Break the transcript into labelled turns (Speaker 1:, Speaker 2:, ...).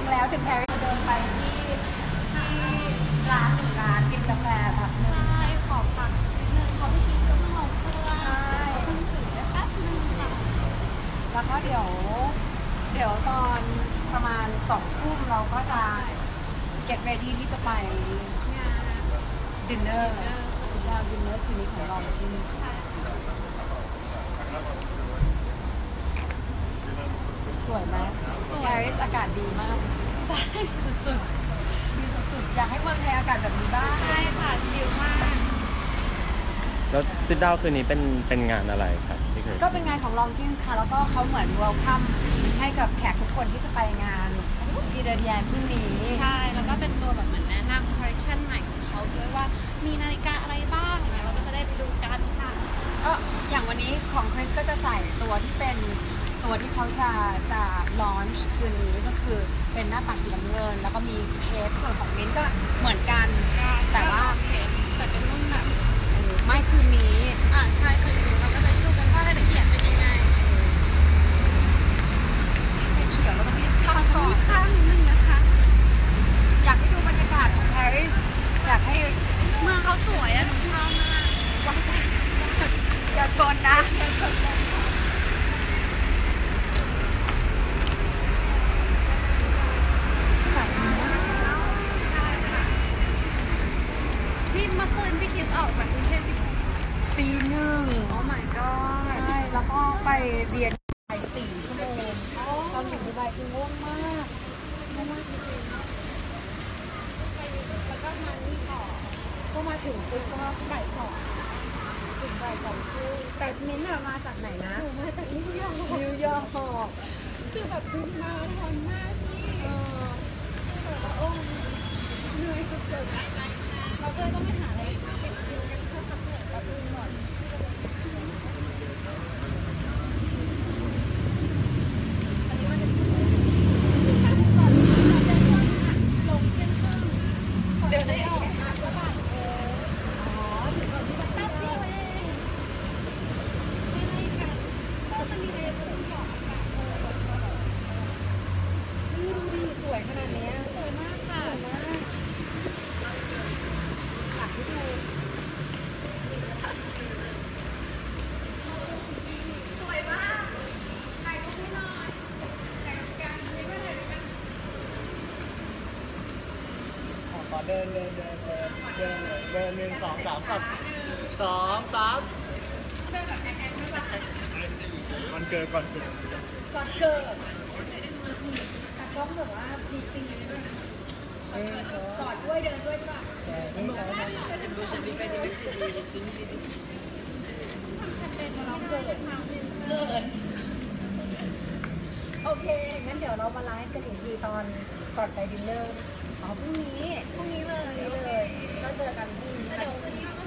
Speaker 1: แล้วถึงแพรรี่เดินไปที่ร้านกินกาแฟแบบ
Speaker 2: ใช่ขอพักนิดนึงเพราะเมื่อกี้ก็เพิ่งลงเครื่อง
Speaker 1: ใช่
Speaker 2: เพิ่งถึงได้แป๊บนึงค่ะ
Speaker 1: แล้วก็เดี๋ยวตอนประมาณ2 ทุ่มเราก็จะ get ready ที่จะไป
Speaker 2: งาน
Speaker 1: ดินเนอร์สุดยอดดินเนอร์คืนนี้ของเราจริง
Speaker 2: ใช่
Speaker 1: สวยไหมปารีสอากาศดีมาก
Speaker 2: ใช่สุด
Speaker 1: ๆดีสุดๆอยากให้เมืองไทยอากาศแบบนี้บ้าง
Speaker 2: ใช่ค่ะชิลมาก
Speaker 3: แล้วซิดดาวคืนนี้เป็นงานอะไรครับที่เคย
Speaker 1: ก็เป็นงานของลองจินค่ะแล้วก็เขาเหมือนเวลคัมให้กับแขกทุกคนที่จะไปงานพีเดอร์แยนพรุ่งนี้
Speaker 2: ใช่แล้วก็เป็นตัวแบบเหมือนแนะนำคอลเลคชันใหม่ของเขาด้วยว่ามีนาฬิกาอะไรบ้างอย่างเงี้ยเราก็จะได้ไปดูกันค่ะ
Speaker 1: ก็อย่างวันนี้ของคริสก็จะใส่ตัวที่เป็นตัวที่เขาจะลอนช์คืนนี้ก็คือเป็นหน้าปัดสีน้ำเงินแล้วก็มีเพชรส่วนของมิ้นก็เหมือนกันแต่ว่า
Speaker 2: เพชรแต่เป็นรุ่นแบบ
Speaker 1: ไม่คืนนี้
Speaker 2: ใช่คืนนี้เราก็จะดูกันว่ารายละเอียดเป็นยังไง
Speaker 1: ใส่เขียวแล้วก็มีข้าวทอด
Speaker 2: ข้าวนิดนึงนะคะ
Speaker 1: อยากให้ดูบรรยากาศของปารีสอยากให้
Speaker 2: เมืองเขาสวยอะหนูชอบมาก
Speaker 1: อย่าชนนะ
Speaker 2: นี่เมื่อคืนพี่คิดออกจากกรุงเทพ
Speaker 1: ตี 1
Speaker 2: โอ้ my god
Speaker 1: ใช่แล้วก็ไปเรียนไป4 ชั่วโมงตอนอยู่ดูไบคือง่วงมากจริง
Speaker 2: แล้วก็มานี่ต่อ
Speaker 1: ก็มาถึงปุ๊บก็บ่าย 2ถึงบ่าย 2 ครึ่งแต่มิ้นท์มาจากไหนนะ
Speaker 2: หนูมาจากนิวยอร์กคือแบบบินมาทำหน้าที่แบบโอ้เหนื่อยสุดๆเราก็เลยต้องไปหาอะไรเก็บคิวกันเพื่อทำเหนื่อยกับบินหมดอันนี้มันจะก่อนลงเที่ยงครึ่งเดี๋ยวได้ออกมาแล้วบ่ายถึงก่อนที่แป๊บเดียวเองไม่ได้กันก็มันมีอะไรจะต้องบอกกัน
Speaker 1: นี่ดูดิสวยขนาดนี้
Speaker 2: สวยมากค่ะ
Speaker 1: อยากให้ดู
Speaker 2: สวยมากถ่ายรูปให้หน่อยถ่ายรูปกันนี่ก็ถ่ายรูปกัน
Speaker 4: ขอเดิน1 2 3กับ2 3
Speaker 2: เดินแบบแอนไม่ป่ะ
Speaker 4: มันเกิดก่อนเกิด
Speaker 1: แต่ก็แบบว่าตีด้วยกอดด้วยเดินด้วยใช่ป่ะโอเคงั้นเดี๋ยวเรามาไลฟ์กันอีกทีตอนก่อนไปดินเนอร์พรุ่งนี้เลยก็เจอกันพรุ่งนี้